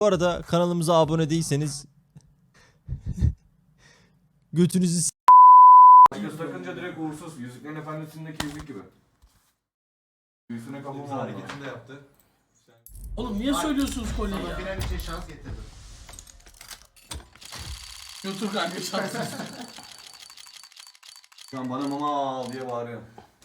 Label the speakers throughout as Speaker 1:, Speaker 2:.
Speaker 1: Bu arada kanalımıza abone değilseniz götünüzü
Speaker 2: Göz takınca direkt uğursuz. Yüzüklerin Efendisi'ndeki yüzük gibi. Büyüsüne kafamı hareketini de yaptı.
Speaker 3: Oğlum niye söylüyorsunuz kolyeyi ya?
Speaker 4: Final için şans getirdim.
Speaker 3: Götür kanka şansı.
Speaker 2: Şu an bana mama al diye bağırıyor.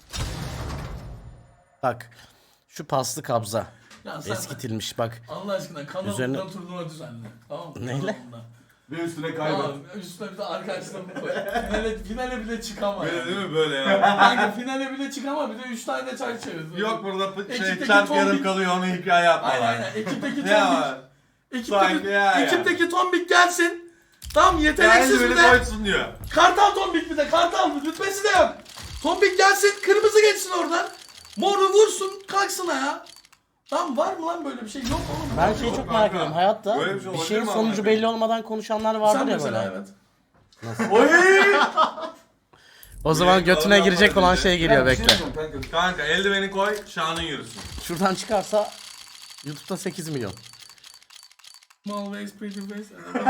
Speaker 5: Bak şu paslı kabza
Speaker 3: Ya sen
Speaker 5: eskitilmiş bak.
Speaker 3: Allah aşkına kanalımdan
Speaker 5: Üzerine-
Speaker 3: turnuva düzenle. Tamam mı?
Speaker 5: Neyle?
Speaker 3: Kanalımdan.
Speaker 2: Ve üstüne kaybet.
Speaker 3: Tamam üstüne bir de arkadaşlarımı koy. Finale bile çıkama.
Speaker 6: Böyle
Speaker 3: Yani.
Speaker 6: değil mi böyle ya?
Speaker 3: Kanka finale bile çıkama bir de 3 tane de çay çevir.
Speaker 6: Yok burada
Speaker 3: Ekipteki
Speaker 6: çarp
Speaker 3: tombik-
Speaker 6: yarım kalıyor onu hikaye yapmalar.
Speaker 3: Aynen ekipteki
Speaker 6: Ne
Speaker 3: tombik.
Speaker 6: var? Sanki ya.
Speaker 3: Ekipteki tombik gelsin. Tamam
Speaker 6: Yani
Speaker 3: yeteneksiz bir
Speaker 6: beni
Speaker 3: de.
Speaker 6: koysun diyor.
Speaker 3: Kartal tombik bir de kartal rütbesi de yok. Tombik gelsin kırmızı geçsin oradan. Moru vursun kalksın ya. Lan var mı lan böyle bir şey? Yok oğlum.
Speaker 5: Ben şeyi çok merak ediyorum. Hayatta
Speaker 6: Böyle bir şey
Speaker 5: bir
Speaker 6: olabilir
Speaker 5: şeyin
Speaker 6: mi
Speaker 5: sonucu
Speaker 6: abi?
Speaker 5: belli olmadan konuşanlar
Speaker 3: Sen
Speaker 5: vardır ya
Speaker 3: mesela
Speaker 5: böyle.
Speaker 3: evet.
Speaker 2: Oy!
Speaker 5: O zaman götüne
Speaker 6: Allah'ım
Speaker 5: girecek olan
Speaker 6: Allah.
Speaker 5: şey geliyor bekle.
Speaker 6: Kanka eldiveni koy şanın yürüsün.
Speaker 5: Şuradan çıkarsa YouTube'da 8 milyon.
Speaker 3: Small waist, pretty waist.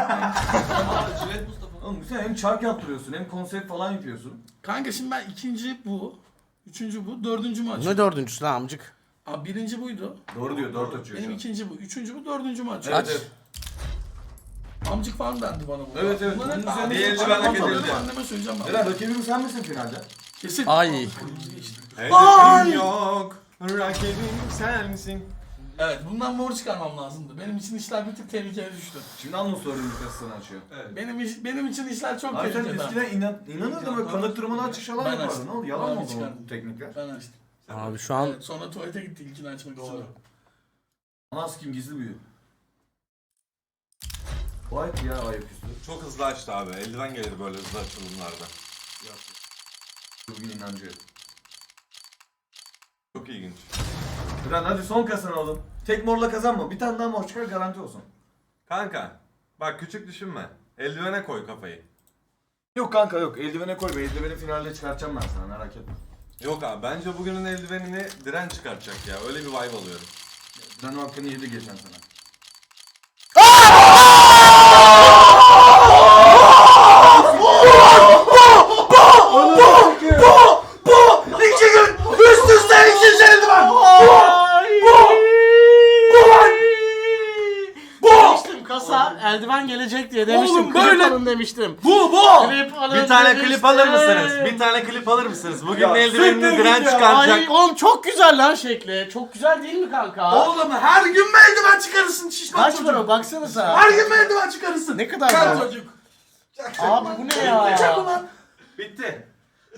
Speaker 2: Oğlum sen hem çark yaptırıyorsun hem konsept falan yapıyorsun.
Speaker 3: Kanka şimdi ben ikinci bu. Üçüncü bu. Dördüncü mü
Speaker 5: Ne
Speaker 3: açıyorum?
Speaker 5: dördüncüsü lan amcık?
Speaker 3: Abi birinci buydu.
Speaker 2: Doğru diyor, dört açıyor
Speaker 3: Benim
Speaker 2: şu an.
Speaker 3: ikinci bu. Üçüncü bu. Dördüncü mü açıyorum?
Speaker 2: Evet, evet.
Speaker 3: Amcık falan dendi bana bu.
Speaker 2: Evet, evet.
Speaker 3: Bunlar hep
Speaker 2: Bunun üzerine
Speaker 3: anneme-
Speaker 6: bir eldiven hak
Speaker 3: anneme-
Speaker 6: edildi.
Speaker 3: Anneme söyleyeceğim ben.
Speaker 2: Eren rakibim sen misin finalde?
Speaker 3: Kesin.
Speaker 5: Ay.
Speaker 3: Kırmızı geçti.
Speaker 6: Eldiveni yok. Rakibim sen misin?
Speaker 3: Evet bundan mor çıkarmam lazımdı. Benim için işler bir tık tehlikeye düştü.
Speaker 2: Şimdi anonsörün kasasını açıyor.
Speaker 3: Benim için işler çok
Speaker 2: Abi sen
Speaker 3: tehlikeli.
Speaker 2: eskiden inanırdın böyle kanıktırmadan çıkışalar
Speaker 3: Ben
Speaker 2: yapardın.
Speaker 3: açtım.
Speaker 2: Ne oldu? Yalan
Speaker 3: Ben
Speaker 2: mı oldu
Speaker 3: çıkardım.
Speaker 2: o teknikler?
Speaker 3: Ben açtım.
Speaker 5: Abi şu an
Speaker 3: Evet, sonra tuvalete gitti ilkini açmak için.
Speaker 2: Anas kim gizli büyü. White ya ayaküstü.
Speaker 6: Çok hızlı açtı abi. Eldiven gelir böyle hızlı açılımlarda.
Speaker 2: Bugün inancı.
Speaker 6: Çok ilginç.
Speaker 2: Eren hadi son kasanı oğlum. Tek morla kazanma. Bir tane daha mor çıkar garanti olsun.
Speaker 6: Kanka bak küçük düşünme. Eldivene koy kafayı.
Speaker 2: Yok kanka yok. Eldivene koy. Eldiveni finalde çıkartacağım ben sana merak etme.
Speaker 6: Yok abi bence bugünün eldivenini diren çıkartacak ya. Öyle bir vibe alıyorum.
Speaker 2: Ben o hakkını yedi geçen sene.
Speaker 3: İki gün üst üste ikinci eldiven.
Speaker 5: demiştim kasa eldiven gelecek diye demiştim.
Speaker 3: Oğlum böyle-
Speaker 5: Klip alın demiştim.
Speaker 3: Bu.
Speaker 5: Klip alın
Speaker 6: Bir tane
Speaker 5: demiştim.
Speaker 6: klip alır mısınız? Bir tane klip alır mısınız? Bugün
Speaker 2: Ya,
Speaker 6: eldivenini
Speaker 2: siktir
Speaker 6: diren
Speaker 2: git ya.
Speaker 6: çıkaracak.
Speaker 5: Ay oğlum çok güzel lan şekli. Çok güzel değil mi kanka?
Speaker 3: Oğlum her gün mü eldiven çıkarırsın şişman
Speaker 5: Kaç
Speaker 3: çocuk?
Speaker 5: para baksanıza.
Speaker 3: Her gün mü eldiven çıkarırsın?
Speaker 5: Ne kadar
Speaker 3: Kar
Speaker 5: bu?
Speaker 3: çocuk.
Speaker 5: Abi bu ne ya?
Speaker 3: Çak ulan.
Speaker 6: Bitti.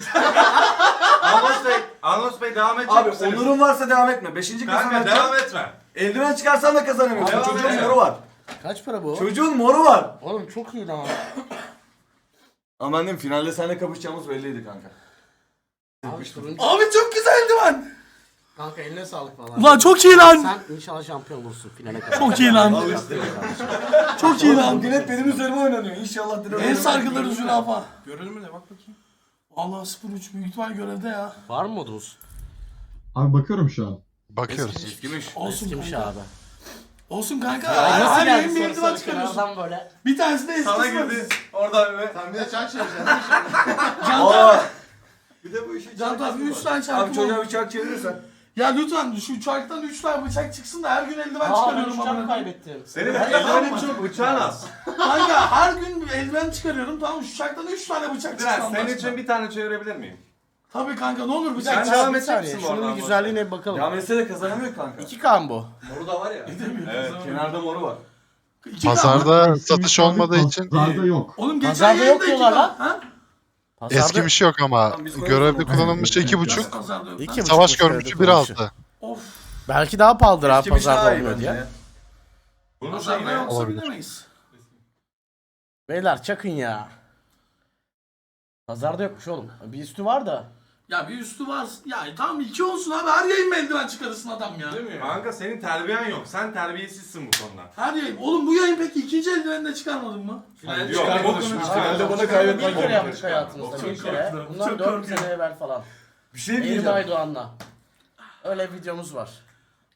Speaker 6: Anons Bey devam edecek
Speaker 2: Abi
Speaker 6: misiniz?
Speaker 2: onurun varsa devam etme. Beşinci kasanı
Speaker 6: Kanka
Speaker 2: açacağım.
Speaker 6: devam etme.
Speaker 2: Eldiven çıkarsan da kazanamıyorsun.
Speaker 6: Devam
Speaker 2: Çocuğun
Speaker 6: et.
Speaker 2: moru var.
Speaker 5: Kaç para bu?
Speaker 2: Çocuğun moru var.
Speaker 5: Oğlum çok iyi lan.
Speaker 2: Ama annem finalde seninle kapışacağımız belliydi kanka.
Speaker 5: Abi turuncu.
Speaker 3: Abi çok güzel eldiven.
Speaker 5: Kanka eline sağlık falan.
Speaker 3: Ulan çok iyi lan.
Speaker 5: Sen inşallah şampiyon olursun finale kadar.
Speaker 3: Çok iyi lan. Çok iyi lan.
Speaker 2: Bugün hep benim üzerime oynanıyor. İnşallah direkt.
Speaker 3: En sargıları zürafa. Görelim mi de bak bakayım. Allah 0-3 büyük ihtimal görevde ya.
Speaker 5: Var mı modumuz?
Speaker 7: Abi bakıyorum şu an.
Speaker 8: Bakıyoruz.
Speaker 2: Eskimiş.
Speaker 3: Olsun
Speaker 5: Eskimiş
Speaker 3: kanka.
Speaker 5: abi.
Speaker 3: Olsun kanka.
Speaker 5: Ay, nasıl
Speaker 3: Her
Speaker 5: geldi
Speaker 3: yayın bir
Speaker 5: sarı
Speaker 3: eldiven
Speaker 5: sarı
Speaker 3: çıkarıyorsun.
Speaker 5: kenardan böyle?
Speaker 3: Bir tanesi de eskisi
Speaker 6: Sana
Speaker 3: var.
Speaker 6: girdi. Oradan ve...
Speaker 4: Sen bir de çark çevireceksin.
Speaker 3: Can
Speaker 2: Aa. Bir de bu işi
Speaker 3: Can abi 3 tane
Speaker 2: Abi
Speaker 3: şarkı
Speaker 2: çocuğa
Speaker 3: var.
Speaker 2: bir çark çevirirsen.
Speaker 3: Ya lütfen şu çarktan 3 tane bıçak çıksın da her gün eldiven
Speaker 5: Aa ben
Speaker 3: çıkarıyorum
Speaker 5: uçağımı
Speaker 3: amına koyayım.
Speaker 5: kaybettim.
Speaker 6: Senin eldivenin çok bıçağın az.
Speaker 3: Kanka her gün eldiven çıkarıyorum tamam mı? Şu çarktan 3 tane bıçak çıksın.
Speaker 6: Diren
Speaker 3: Allah
Speaker 6: senin
Speaker 3: aşkına.
Speaker 6: için bir tane çevirebilir miyim?
Speaker 3: Tabii kanka ne olur bıçak
Speaker 6: Sen
Speaker 3: çıksın.
Speaker 6: devam
Speaker 5: Bir
Speaker 6: edecek
Speaker 5: saniye
Speaker 6: misin bu
Speaker 5: şunun
Speaker 6: arada?
Speaker 5: bir güzelliğine bir bakalım.
Speaker 2: Ya Mesele de kazanamıyor kanka.
Speaker 5: 2K mı bu?
Speaker 2: Moru da var ya.
Speaker 6: Evet.
Speaker 2: Kenarda moru var.
Speaker 8: Pazarda satış olmadığı için
Speaker 7: Pazarda yok.
Speaker 3: Oğlum geçen
Speaker 5: Pazarda
Speaker 3: yayında
Speaker 5: yok
Speaker 3: 2K.
Speaker 5: diyorlar lan.
Speaker 3: Ha?
Speaker 8: eski
Speaker 5: Pazarda
Speaker 8: bir şey yok ama
Speaker 2: Tamam, biz koyalım
Speaker 8: görevde
Speaker 2: sonra.
Speaker 8: kullanılmıştı
Speaker 7: Evet.
Speaker 8: 2.5.
Speaker 3: Nasıl pazarda yok lan?
Speaker 5: 2.5
Speaker 8: Savaş
Speaker 5: mu
Speaker 8: görmüşü
Speaker 5: söyledi kullanışı?
Speaker 8: 1.6.
Speaker 3: Of.
Speaker 5: Belki daha pahalıdır abi
Speaker 2: Eskimiş
Speaker 5: pazarda
Speaker 2: daha iyi
Speaker 5: olmuyor
Speaker 2: bence
Speaker 5: diye.
Speaker 2: ya.
Speaker 6: Bunun
Speaker 3: Pazarda
Speaker 6: şeyine
Speaker 3: yoksa
Speaker 8: olabilir.
Speaker 3: bilemeyiz.
Speaker 5: Beyler çakın ya. Pazarda yokmuş oğlum. Bir üstü var da.
Speaker 3: Ya bir üstü var. Ya tamam 2 olsun abi. Her yayın mı eldiven çıkarırsın adam ya?
Speaker 6: Değil mi? Kanka senin terbiyen yok. Sen terbiyesizsin bu konuda.
Speaker 3: Her yayın. Oğlum bu yayın peki ikinci eldiveni de çıkarmadın mı?
Speaker 6: Yok.
Speaker 2: Finalde bana
Speaker 5: Bir
Speaker 2: kaybetmek
Speaker 5: kere yaptık
Speaker 6: Çok
Speaker 5: hayatımızda bir kere.
Speaker 3: korktum,
Speaker 5: Bunlar
Speaker 3: çok
Speaker 5: 4
Speaker 3: korktum.
Speaker 5: sene evvel falan.
Speaker 2: Bir şey
Speaker 5: Elim
Speaker 2: diyeceğim.
Speaker 5: Aydoğan'la. Öyle videomuz var.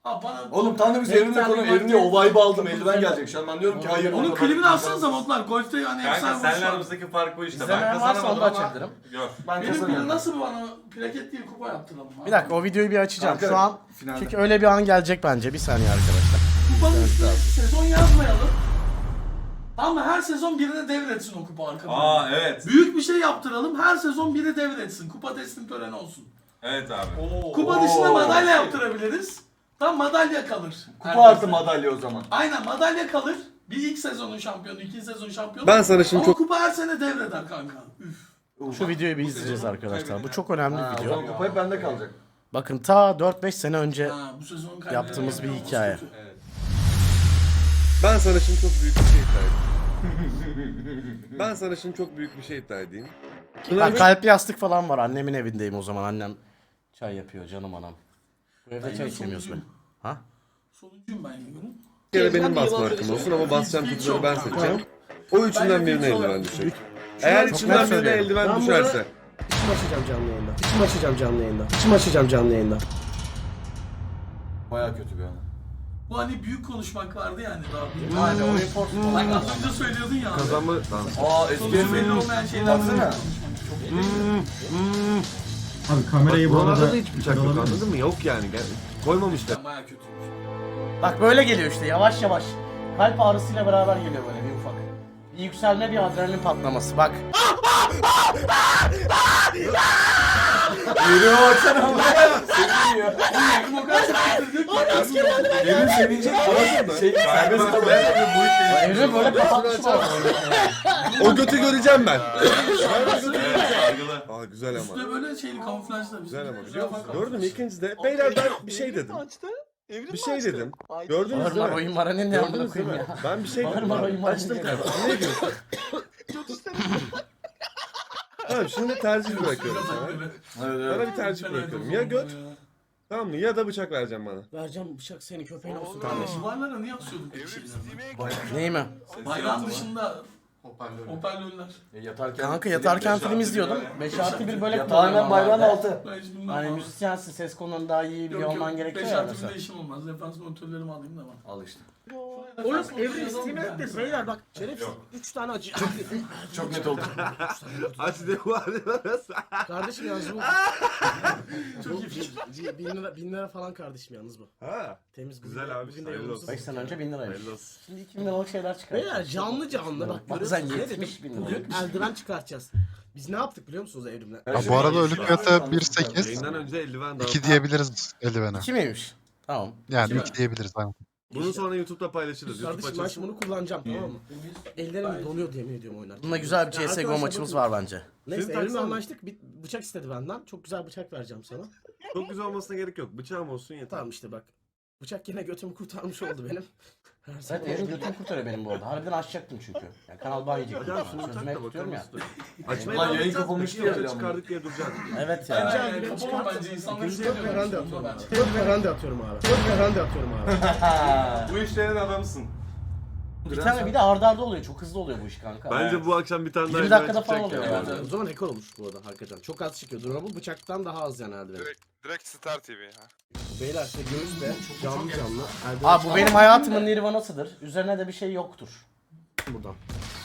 Speaker 3: Abi bana...
Speaker 2: Oğlum tam da biz evrimle konu evrimle o vibe'ı aldım. Eldiven gelecek. Şu an ben diyorum ki hayır.
Speaker 3: Onun klibini atsanıza modlar. Golf'te hani
Speaker 6: Kanka
Speaker 3: efsane
Speaker 6: seninle
Speaker 3: vuruş var.
Speaker 6: aramızdaki fark bu işte. Ben
Speaker 5: İzlemeyen varsa
Speaker 6: kazanamadım
Speaker 5: onu da
Speaker 6: ama
Speaker 5: açabilirim.
Speaker 6: gör.
Speaker 2: Ben
Speaker 3: Benim
Speaker 2: kazanıyorum.
Speaker 3: nasıl bana plaket değil kupa yaptıralım abi.
Speaker 5: Bir dakika o videoyu bir açacağım.
Speaker 2: Kanka,
Speaker 5: Şu an
Speaker 2: finalde.
Speaker 5: çünkü öyle bir an gelecek bence. Bir saniye arkadaşlar.
Speaker 3: Kupanın üstüne sezon yazmayalım. Ama her sezon birine devretsin o kupa arkadaşlar.
Speaker 6: Aa evet.
Speaker 3: Büyük bir şey yaptıralım. Her sezon biri devretsin. Kupa teslim töreni olsun.
Speaker 6: Evet abi.
Speaker 3: Kupa dışında madalya yaptırabiliriz. Tam madalya kalır.
Speaker 2: Kupa artı madalya o zaman.
Speaker 3: Aynen madalya kalır. Bir ilk sezonun şampiyonu, ikinci sezon şampiyonu.
Speaker 4: Ben sana şimdi
Speaker 3: Ama
Speaker 4: çok
Speaker 3: kupa her sene devreder kanka. Üf.
Speaker 5: Şu videoyu bir izleyeceğiz arkadaşlar. Bu çok önemli bir
Speaker 2: O
Speaker 5: video.
Speaker 2: zaman kupa hep bende kalacak.
Speaker 5: Bakın ta 4-5 sene önce
Speaker 3: Ha, bu sezon kaybeden
Speaker 5: yaptığımız bir
Speaker 3: olması
Speaker 5: hikaye.
Speaker 3: kötü.
Speaker 4: ben sana şimdi çok büyük bir şey iddia edeyim. Ben sana şimdi çok büyük bir şey iddia edeyim.
Speaker 5: Ben kalpli yastık falan var. Annemin evindeyim o zaman. Annem çay yapıyor canım anam. Bu evde
Speaker 3: Ben
Speaker 5: çay
Speaker 3: de
Speaker 5: içemiyoruz be.
Speaker 3: sonuncuyum.
Speaker 5: Ha?
Speaker 3: Sonuncuyum ben yiyorum.
Speaker 4: Bir kere benim basma hakkım olsun ama basacağım kutuları ben seçeceğim. O üçünden birine eldiven düşecek. Eğer
Speaker 5: Çok
Speaker 4: içinden
Speaker 5: net
Speaker 4: birine
Speaker 5: söylüyorum.
Speaker 4: eldiven düşerse.
Speaker 9: İçim açacağım canlı yayında. İçim açacağım canlı yayında. İçim açacağım canlı yayında.
Speaker 2: Baya kötü bir an.
Speaker 3: Bu hani büyük konuşmak vardı yani daha büyük.
Speaker 5: Aynen o report
Speaker 3: Bak az önce söylüyordun ya.
Speaker 4: Kazanma... Tamam.
Speaker 2: Aa eski
Speaker 3: Sonucu belli olmayan şeyler.
Speaker 2: Baksana.
Speaker 7: Abi kamerayı bu
Speaker 4: Buralarda
Speaker 7: arada
Speaker 4: da hiç bıçak yok
Speaker 7: alabilir
Speaker 4: anladın mı? Yok yani. Koymamışlar.
Speaker 3: Ben baya kötüymüş.
Speaker 5: Bak böyle geliyor işte yavaş yavaş. Kalp ağrısıyla beraber geliyor böyle bir ufak. Bir yükselme, bir adrenalin patlaması. Bak.
Speaker 2: Yürüyor baksana ama. Seviniyor.
Speaker 3: Evrim o kadar sevindirdi ki.
Speaker 2: Evrim sevinecek. Anladın mı? Serbest kalıyor.
Speaker 6: Bu işi
Speaker 5: Evrim böyle kapatmış var.
Speaker 4: O götü göreceğim ben.
Speaker 6: algılı.
Speaker 4: Aa güzel ama.
Speaker 3: Üstüne böyle şeyli kamuflajla.
Speaker 4: Güzel ama biliyor musun? Gördün mü ikincide? Beyler ben bir şey dedim. Bir şey dedim. Gördünüz
Speaker 5: Marmara
Speaker 4: mü?
Speaker 5: oyun var ne amına
Speaker 4: Gördünüz değil
Speaker 5: koyayım
Speaker 4: mi?
Speaker 5: ya.
Speaker 4: Ben bir şey dedim.
Speaker 5: Marmara oyun var.
Speaker 4: Açtım kardeşim. Niye gülüyorsun? Tamam şimdi tercih bırakıyorum sana.
Speaker 2: Evet
Speaker 4: Sana bir tercih bırakıyorum. Ya göt, tamam mı? Ya da bıçak vereceğim bana.
Speaker 9: Vereceğim bıçak senin köpeğin olsun kardeşim.
Speaker 3: Duvarlara niye asıyorduk bir şeyler?
Speaker 5: Neyi mi?
Speaker 3: Bayrağın dışında hoparlörler.
Speaker 2: Yatarken.
Speaker 5: Kanka yatarken film izliyordum. 5+1 böyle
Speaker 2: Yatağı hemen bayrağın altı.
Speaker 3: Ben hiç bilmem.
Speaker 5: Hani müzisyensin, ses konunun daha iyi biliyor olman gerekiyor
Speaker 3: 5
Speaker 5: ya
Speaker 3: artı
Speaker 5: mesela.
Speaker 3: bir işim olmaz. Defans monitörlerimi alayım da ben.
Speaker 2: Al işte.
Speaker 9: Oğlum evrim Steam'e ekle beyler bak. Şerefsiz 3 tane acı.
Speaker 2: Çok net oldu.
Speaker 4: Hadi de var.
Speaker 9: Kardeşim yalnız bu.
Speaker 3: Çok iyi fikir.
Speaker 9: 1000 lira falan kardeşim yalnız bu.
Speaker 4: Ha.
Speaker 9: Temiz bugün.
Speaker 4: Güzel abi,
Speaker 9: Bugün de
Speaker 4: hayırlı
Speaker 9: yolumuz.
Speaker 4: olsun.
Speaker 5: 5 sene önce 1000 liraymış.
Speaker 4: Hayırlı olsun.
Speaker 5: Şimdi 2000 liralık şeyler çıkar.
Speaker 9: Beyler canlı canlı bak
Speaker 5: Bazen
Speaker 9: görüyorsunuz. Ne
Speaker 5: 70 bin
Speaker 9: dedim?
Speaker 5: lira.
Speaker 9: Bugün eldiven çıkartacağız. Biz ne yaptık biliyor musunuz evrimle?
Speaker 8: Ha, bu arada ölü fiyatı 1.8.
Speaker 4: Yayından önce eldiven daha.
Speaker 8: 2 diyebiliriz eldivene.
Speaker 5: 2 miymiş? Tamam.
Speaker 8: Yani
Speaker 3: İki
Speaker 8: 2 diyebiliriz. Aynen.
Speaker 4: Bunu sonra YouTube'da paylaşırız. YouTube
Speaker 9: Kardeşim ben
Speaker 4: açılsın.
Speaker 9: şimdi bunu kullanacağım tamam mı? Ellerim donuyor yemin ediyorum oynarken.
Speaker 5: Bunda güzel bir
Speaker 9: Ya
Speaker 5: CSGO
Speaker 9: arkadaşlar
Speaker 5: maçımız
Speaker 9: bakın.
Speaker 5: var bence.
Speaker 9: Neyse
Speaker 4: Siz
Speaker 9: evrimle
Speaker 4: taksana.
Speaker 9: anlaştık. Bir bıçak istedi benden. Çok güzel bıçak vereceğim sana.
Speaker 4: Çok güzel olmasına gerek yok. Bıçağım olsun yeter.
Speaker 9: Tamam işte bak. Bıçak yine götümü kurtarmış oldu benim. Her
Speaker 5: Evet
Speaker 9: zaman
Speaker 5: evrim götümü kurtarıyor benim bu arada. Harbiden açacaktım çünkü. Yani kanal ban yiyecektim.
Speaker 4: Hocam şunu
Speaker 5: Sözüme
Speaker 4: tak da
Speaker 5: tutuyorum
Speaker 4: bakalım.
Speaker 5: ya.
Speaker 4: Açmaya
Speaker 2: Lan
Speaker 4: devam
Speaker 2: yayın
Speaker 4: edeceğiz.
Speaker 2: kapanmıştı
Speaker 4: Peki,
Speaker 2: ya
Speaker 4: önce
Speaker 2: bir
Speaker 4: çıkardık diye duracağız.
Speaker 5: Evet
Speaker 3: Bence
Speaker 5: ya.
Speaker 3: yani kapama bence insanlar
Speaker 9: İkinci
Speaker 3: istemiyor.
Speaker 9: yok veranda
Speaker 3: Bunda
Speaker 9: atıyorum.
Speaker 3: bence.
Speaker 9: Yok veranda atıyorum abi. Yok veranda atıyorum abi.
Speaker 6: Bu işlerin adamısın.
Speaker 5: Bir tane bir de arda arda oluyor. Çok hızlı oluyor bu iş kanka.
Speaker 4: Bence bu akşam bir tane daha
Speaker 5: 20
Speaker 4: eldiven
Speaker 5: dakikada falan
Speaker 4: çıkacak
Speaker 5: oluyor
Speaker 4: ya.
Speaker 5: yani.
Speaker 9: O zaman rekor olmuş bu arada hakikaten. Çok az çıkıyor. Durma bu bıçaktan daha az yani eldiven.
Speaker 8: Direkt Star TV.
Speaker 9: Beyler işte göğüs de canlı canlı. Eldiven
Speaker 5: Abi bu benim hayatımın nirvanasıdır. Üzerine de bir şey yoktur.
Speaker 9: buradan.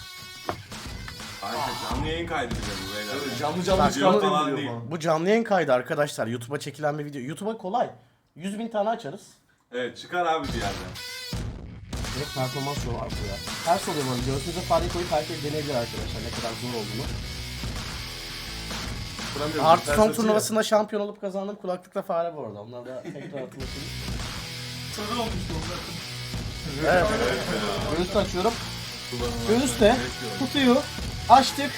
Speaker 6: Aynen canlı yayın kaydedeceğim bu beyler.
Speaker 2: Evet, canlı canlı
Speaker 5: Bak,
Speaker 6: Video
Speaker 2: çıkartıyor
Speaker 6: falan
Speaker 2: diyor
Speaker 6: değil.
Speaker 2: falan.
Speaker 5: Bu canlı yayın kaydı arkadaşlar. YouTube'a çekilen bir video. YouTube'a kolay. 100.000 tane açarız.
Speaker 6: Evet çıkar abi bir yerden.
Speaker 5: Direkt performans yolu var bu ya. Ters oluyor böyle. Göğsünüze fareyi koyup herkes deneyebilir arkadaşlar. Ne kadar zor olduğunu.
Speaker 4: Kuramıyorum.
Speaker 5: Artı son
Speaker 4: Ters
Speaker 5: turnuvasında şampiyon olup kazandım. Kulaklıkla fare bu arada. Onlar da tekrar hatırlatayım.
Speaker 3: Sarı olmuştu onlar.
Speaker 5: Evet. Göğüs açıyorum. Göğüs de kutuyu açtık.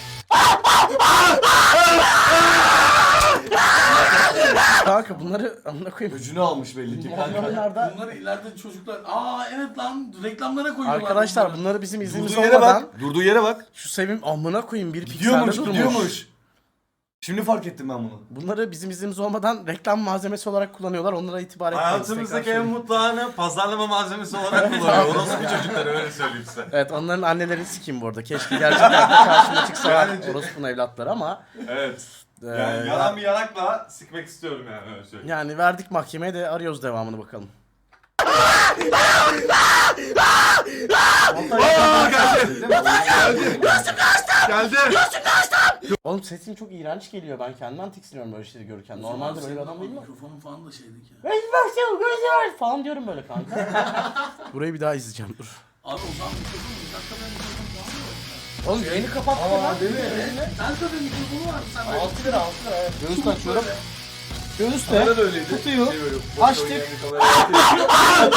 Speaker 5: Kanka bunları amına koyayım.
Speaker 2: Öcünü almış belli ki kanka.
Speaker 5: Oyunlarda
Speaker 3: Bunları ileride çocuklar... Aa evet lan reklamlara koyuyorlar.
Speaker 5: arkadaşlar bunları bizim iznimiz
Speaker 2: Durduğu yere
Speaker 5: olmadan
Speaker 2: bak. Durduğu yere bak.
Speaker 5: şu sevim amına koyayım bir pikselde
Speaker 2: Gidiyormuş,
Speaker 5: durmuş.
Speaker 2: gidiyormuş. Şimdi fark ettim ben bunu.
Speaker 5: Bunları bizim iznimiz olmadan reklam malzemesi olarak kullanıyorlar. Onlara itibar etmeyiz.
Speaker 6: Hayatımızdaki
Speaker 5: Tekrar
Speaker 6: en mutlu anı pazarlama malzemesi olarak kullanıyor. Orası bir çocukları öyle söyleyeyim size.
Speaker 5: Evet onların annelerini sikeyim bu arada. Keşke gerçekten de karşıma çıksalar orospunun evlatları ama
Speaker 6: Evet.
Speaker 5: e,
Speaker 6: Yani yalan bir yanakla sikmek istiyorum yani öyle söyleyeyim.
Speaker 5: yani verdik mahkemeye de arıyoruz devamını bakalım. Oğlum sesim çok iğrenç geliyor. Ben kendimden tiksiniyorum böyle şeyleri görürken. Normalde böyle bir adam değilim.
Speaker 3: Mikrofonun falan da şeydik ya.
Speaker 5: Falan diyorum böyle kanka. Burayı bir daha izleyeceğim dur.
Speaker 3: Abi o zaman mikrofon bir dakika ben mikrofon falan yok.
Speaker 5: Oğlum yayını kapattın lan.
Speaker 3: Değil mi? Ben tabii mikrofonu var. Sen
Speaker 5: 6 lira 6 lira evet. Göğüste açıyorum. Göğüste.
Speaker 2: Kamera da öyleydi.
Speaker 5: Tutuyor.
Speaker 2: Şey böyle, boş
Speaker 5: Açtık.
Speaker 2: oynayan bir kamera.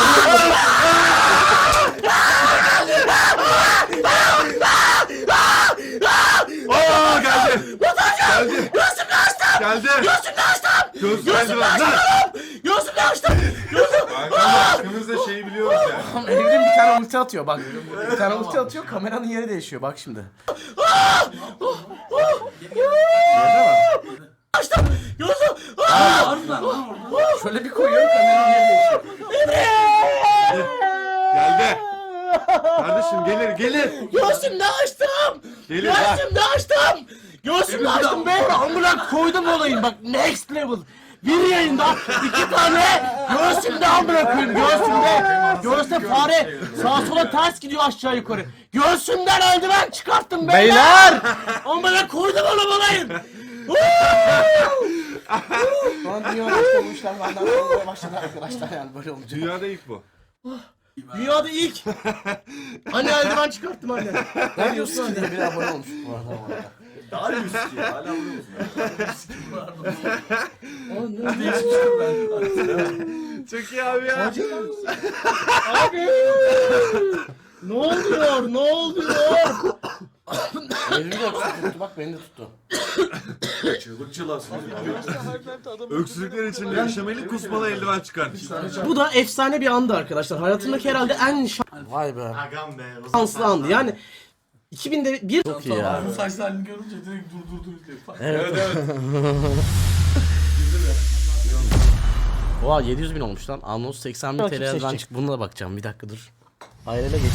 Speaker 6: Geldi. Gözüm kaçtı.
Speaker 5: Gözümü açtım.
Speaker 6: Kanka ikimiz de şeyi biliyoruz yani.
Speaker 5: Evrim bir tane ulti atıyor bak. Bir tane ulti atıyor kameranın yeri değişiyor bak şimdi. Açtım. Gözüm.
Speaker 3: harbiden lan orada.
Speaker 5: Şöyle bir koyuyorum kameranın yeri değişiyor.
Speaker 6: Geldi. Kardeşim gelir.
Speaker 5: Göğsümde açtım.
Speaker 6: Gelir bak.
Speaker 5: Göğsümde açtım. Göğsümde açtım be. Amına koydum olayım bak next level. Bir yayında 2 tane göğsümde amına koyayım göğsümde. Göğüste fare sağa sola ters gidiyor aşağı yukarı. Göğsümden eldiven çıkarttım beyler. Amına koydum onu olayım. Şu an dünyada işte bu işler benden olmaya başladı arkadaşlar yani böyle olacak.
Speaker 6: Dünyada ilk bu.
Speaker 5: Dünyada ilk. Hani eldiven çıkarttım anne. Ne diyorsun ki diye bir abone olmuş bu arada.
Speaker 2: Daha yüz ki ya. Hala vuruyor musun?
Speaker 6: Çok iyi abi ya.
Speaker 5: Abi. Ne oluyor? Ne oluyor? Elimi de tuttu bak beni de tuttu.
Speaker 2: Çığlık çığlasın.
Speaker 6: Öksürükler için yaşamalı kusmalı eldiven çıkartmış.
Speaker 5: Bu da efsane bir andı arkadaşlar. Hayatımdaki herhalde en Vay be. Şanslı andı. Yani 2000'de bir çok iyi ya.
Speaker 3: Bu saçlarını görünce direkt dur diye.
Speaker 5: Evet. Oha 700 bin olmuş lan. Anons 80 bin TL'den çık. Bununla bakacağım. Bir dakika dur. Ayrıyla geçti.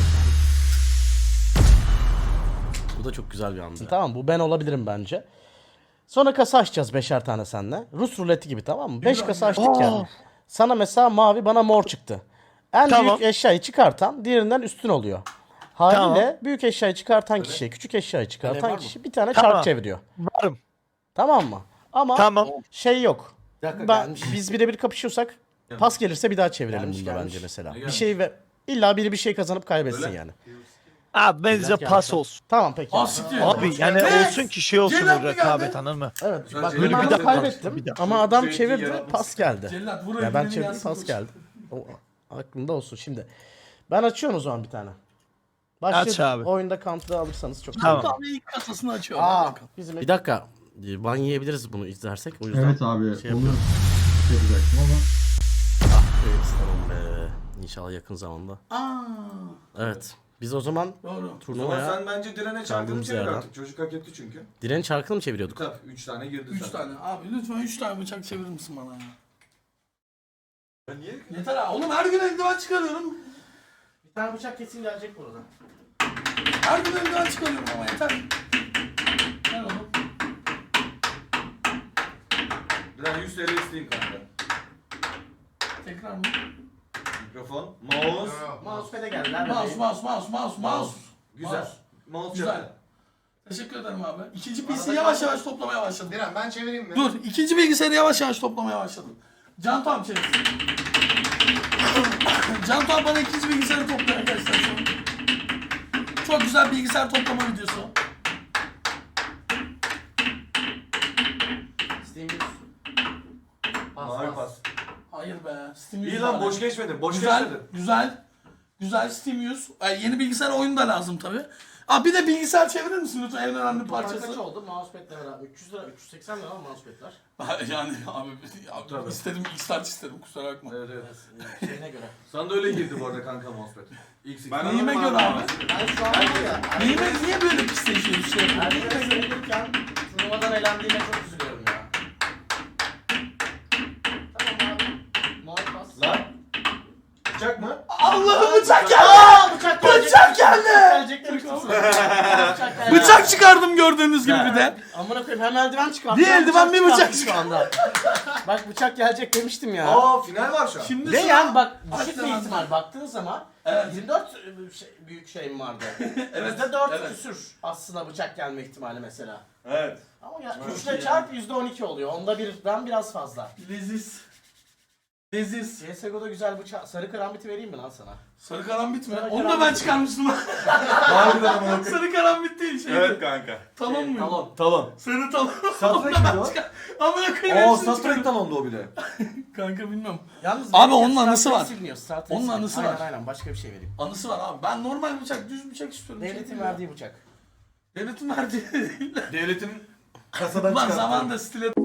Speaker 5: Bu da çok güzel bir andı. Tamam bu ben olabilirim bence. Sonra kasa açacağız 5'er tane seninle. Rus ruleti gibi tamam mı? 5 kasa açtık yani. Sana mesela mavi bana mor çıktı. En büyük eşyayı çıkartan diğerinden üstün oluyor. Haliyle büyük eşyayı çıkartan kişi, küçük eşyayı çıkartan kişi bir tane çark çeviriyor.
Speaker 9: Varım.
Speaker 5: Tamam mı? Ama
Speaker 9: Tamam.
Speaker 5: şey yok. Biz birebir kapışıyorsak pas gelirse bir daha çevirelim bunda bence mesela. Bir şey ve illa biri bir şey kazanıp kaybetsin yani.
Speaker 9: Abi bence pas olsun.
Speaker 5: Tamam peki.
Speaker 9: Abi yani olsun ki şey olsun o rekabet anladın mı?
Speaker 5: Evet. Bak
Speaker 3: Böyle
Speaker 5: ben
Speaker 3: bir
Speaker 5: adam
Speaker 3: daha
Speaker 5: kaybettim
Speaker 9: bir daha.
Speaker 5: ama adam
Speaker 2: Sürekli
Speaker 5: çevirdi
Speaker 2: yaratması.
Speaker 5: pas geldi.
Speaker 3: Cellat vur
Speaker 5: Ya ben
Speaker 3: elini
Speaker 5: çevirdim
Speaker 3: yansın
Speaker 5: pas
Speaker 3: koş.
Speaker 5: geldi. O aklında olsun şimdi. Ben açıyorum o zaman bir tane. Başladı.
Speaker 9: Aç abi.
Speaker 5: Oyunda counter'ı alırsanız çok
Speaker 9: Tamam.
Speaker 3: Abi ilk kasasını açıyor.
Speaker 5: Bizim bir dakika. Ban yiyebiliriz bunu izlersek o yüzden.
Speaker 7: Evet abi.
Speaker 5: Şey
Speaker 7: Onu
Speaker 5: yapıyorum.
Speaker 7: yapacaktım ama.
Speaker 5: Evet tamam be. İnşallah yakın zamanda. Evet. Biz o zaman
Speaker 3: Doğru.
Speaker 2: O zaman
Speaker 5: turnuvaya
Speaker 2: sen bence direne çarkını
Speaker 5: Çaldığımız
Speaker 2: çevir
Speaker 5: yerden.
Speaker 2: artık. Çocuk hak etti çünkü.
Speaker 5: diren çarkını mı çeviriyorduk?
Speaker 2: Tabii 3 tane girdi
Speaker 3: 3
Speaker 2: sen.
Speaker 3: tane. Abi lütfen 3 tane bıçak çevirir misin bana ya?
Speaker 2: Ya niye?
Speaker 3: Yeter abi. Oğlum her gün eldiven çıkarıyorum.
Speaker 5: Bir tane bıçak kesin gelecek burada.
Speaker 3: Her gün eldiven çıkarıyorum ama yeter. Ver oğlum.
Speaker 2: Diren 100 TL isteyeyim kanka.
Speaker 3: Tekrar mı?
Speaker 2: Mikrofon. Mouse.
Speaker 5: Mousepad'e geldiler.
Speaker 3: Mouse.
Speaker 2: Güzel. Mouse
Speaker 3: Güzel.
Speaker 2: çarptı.
Speaker 3: Teşekkür ederim abi. İkinci bilgisayarı yavaş yavaş toplamaya başladım.
Speaker 4: Diren ben çevireyim mi?
Speaker 3: Dur, ikinci bilgisayarı yavaş yavaş toplamaya başladım. Can Tam çevirsin. Can Tam bana ikinci bilgisayarı topluyor arkadaşlar şu an. Çok güzel bilgisayar toplama videosu.
Speaker 2: Mavi pas.
Speaker 3: Hayır be. Steam
Speaker 2: İyi lan boş geçmedin. Boş
Speaker 3: Güzel,
Speaker 2: geçmedin.
Speaker 3: güzel Steam yeni bilgisayar oyunu da lazım tabi. Abi bir de bilgisayar çevirir misin lütfen en önemli
Speaker 5: Kaç
Speaker 3: parçası?
Speaker 5: oldu? Mousepad'le beraber 300 lira, 380 lira mousepad'ler.
Speaker 3: Yani abi istedim X-Large istedim kusura bakma.
Speaker 2: Evet evet.
Speaker 5: Şeyine göre.
Speaker 2: Sana da öyle girdi bu arada kanka mousepad.
Speaker 6: Ben
Speaker 3: Neyime göre abi?
Speaker 5: Ben şu an var ya.
Speaker 3: Niye böyle pisleşiyor bir şey yapıyor?
Speaker 5: Herkese sayılırken turnuvadan elendiğime çok üzülüyorum ya. Tamam abi. Mavi pas.
Speaker 2: Lan. Bıçak mı?
Speaker 3: Allah'ım bıçak geldi!
Speaker 5: Bıçak
Speaker 3: Bıçak geldi!
Speaker 5: Gelecek demiştim sana.
Speaker 3: Bıçak çıkardım gördüğünüz gibi bir de.
Speaker 5: Amına koyayım hem eldiven çıkarttım.
Speaker 3: Bir eldiven, bir bıçak
Speaker 5: şu anda. Bak bıçak gelecek demiştim ya.
Speaker 2: Aa final var şu an.
Speaker 3: Şimdi
Speaker 5: Ve
Speaker 3: sıra-
Speaker 5: yani bak
Speaker 3: Aç
Speaker 5: düşük
Speaker 3: lan
Speaker 5: bir
Speaker 3: ağzını.
Speaker 5: ihtimal baktığın zaman
Speaker 3: Evet.
Speaker 5: 24 büyük şeyim vardı.
Speaker 3: Evet,
Speaker 5: %4
Speaker 3: evet.
Speaker 5: küsür aslında bıçak gelme ihtimali mesela.
Speaker 6: Evet.
Speaker 5: Ama ya
Speaker 3: Çok
Speaker 5: 3
Speaker 3: iyi
Speaker 5: ile çarp %12 oluyor. Onda birden biraz fazla.
Speaker 3: Leziz. Leziz.
Speaker 5: CSGO'da güzel bıçak. Sarı karambiti vereyim mi lan sana?
Speaker 3: Sarı karambit mi?
Speaker 5: Sarı
Speaker 3: Onu da
Speaker 5: karambit.
Speaker 3: ben çıkarmıştım.
Speaker 2: Harbiden ama.
Speaker 3: Sarı karambit değil şey.
Speaker 6: Evet kanka.
Speaker 3: Talon mu?
Speaker 1: Talon. Talon.
Speaker 3: Sarı talon.
Speaker 2: Satranç mıydı o?
Speaker 3: Amına koyayım.
Speaker 2: Aa
Speaker 3: hepsini
Speaker 2: satranç
Speaker 3: çıkardım.
Speaker 2: talondu o bile.
Speaker 3: Kanka bilmiyorum.
Speaker 5: Yalnız
Speaker 3: Abi
Speaker 5: benim
Speaker 3: onun
Speaker 5: Star
Speaker 3: anısı
Speaker 5: Trek
Speaker 3: var.
Speaker 5: siliniyor, Star Trek
Speaker 3: Onun
Speaker 5: siliniyor.
Speaker 3: anısı
Speaker 5: aynen,
Speaker 3: var.
Speaker 5: Aynen başka bir şey vereyim.
Speaker 3: Anısı var abi. Ben normal bıçak, düz bıçak istiyorum.
Speaker 5: Devletin
Speaker 3: Şey
Speaker 5: verdiği bıçak.
Speaker 3: Devletin verdiği değil.
Speaker 2: Devletin kasadan
Speaker 3: Ulan
Speaker 2: çıkarttı.
Speaker 3: zamanında stiletto